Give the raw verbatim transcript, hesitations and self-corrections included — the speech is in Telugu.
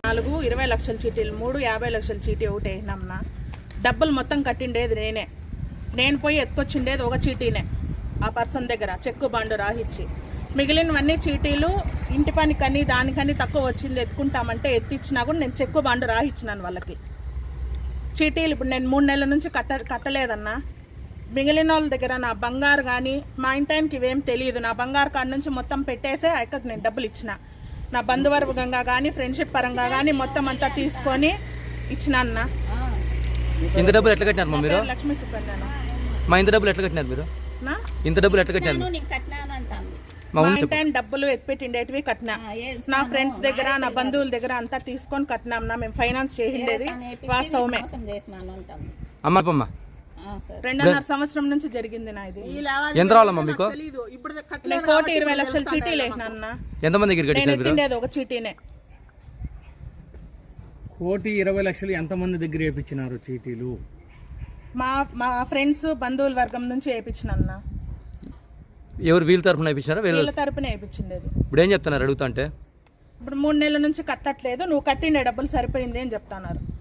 నాలుగు ఇరవై లక్షల చీటీలు, మూడు యాభై లక్షల చీటీ ఒకటి వేసినామన్నా. డబ్బులు మొత్తం కట్టిండేది నేనే. నేను పోయి ఎత్తుకొచ్చిండేది ఒక చీటీనే ఆ పర్సన్ దగ్గర, చెక్కు బండు రాహిచ్చి. మిగిలినవన్నీ చీటీలు ఇంటి పనికని దానికని తక్కువ వచ్చింది ఎత్తుకుంటామంటే ఎత్తిచ్చినా కూడా నేను చెక్కు బండు రాహిచ్చినాను వాళ్ళకి. చీటీలు ఇప్పుడు నేను మూడు నెలల నుంచి కట్ట కట్టలేదన్నా. మిగిలిన వాళ్ళ దగ్గర నా బంగారు కానీ మా ఇంటానికి ఇవేం తెలియదు. నా బంగారు కాడ నుంచి మొత్తం పెట్టేసే అక్కడికి నేను డబ్బులు ఇచ్చిన. నా బంధువర్గంగా కానీ ఫ్రెండ్షిప్ పరంగా కానీ మొత్తం అంతా తీసుకొని ఇచ్చిన అన్న. ఇంత డబ్బులు ఎట్లా కట్టినారు మీరు? లక్ష్మీ సుకన్య. మా ఇంత డబ్బులు ఎట్లా కట్టినారు మీరు? ఇంత డబ్బులు ఎట్లా కట్టినారు? మా ఇంటాయన డబ్బులు ఎత్తిపెట్టిండేటివి కట్టినా. నా ఫ్రెండ్స్ దగ్గర నా బంధువుల దగ్గర అంతా తీసుకొని కట్టినాం. మేము ఫైనాన్స్ చేసిండేది వాస్తవమే. అమ్మమ్మ రెండున్నర సంవత్సరం నుంచి జరిగింది నా ఇది. ఎంత రావాలమ్మా మీకు? కోటి ఇరవై లక్షల చీటీలు వేసినా. ఎంతమంది దగ్గర ఎత్తిండేది ఒక చీటీనే. కోటి ఇరవై లక్షలు ఎంతమంది దగ్గర వేయించినారు చీటీలు? మా మా ఫ్రెండ్స్ బంధువుల వర్గం నుంచి వేయించిన. ఎవరు వీళ్ళ తరపున వేయించినారా? వీళ్ళ తరపున వేయించిండేది. ఇప్పుడు ఏం చెప్తున్నారు అడుగుతా అంటే? ఇప్పుడు మూడు నెలల నుంచి కట్టట్లేదు, నువ్వు కట్టిండే డబ్బులు సరిపోయింది అని చెప్తున్నారు.